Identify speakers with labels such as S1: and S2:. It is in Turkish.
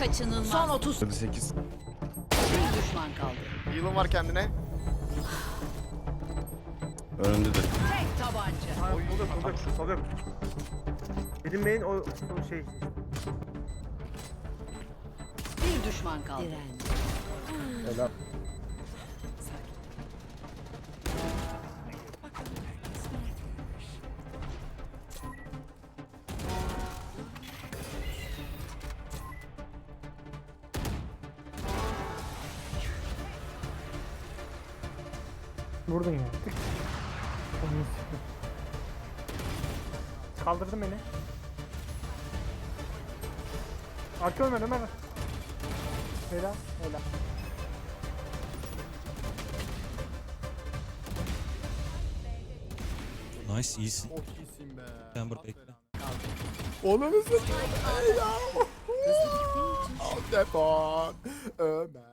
S1: Kaçınılmaz.
S2: Son 30.
S3: 8.
S2: Bir düşman kaldı.
S4: Heal'ın var kendine.
S3: Önündedir.
S2: Tek tabanca.
S5: Oluyor. Bilinmeyin o şey.
S2: Bir düşman kaldı.
S5: Helal.
S6: Vurdun ya. Tık. Onu sıktım. Kaldırdın beni. Arka Ömer. Helal.
S7: Nice, iyisin.
S4: Çok iyisin be.
S7: Sen burada bekle.
S4: Onu nasıl? Ya. Al telefon. Ömer.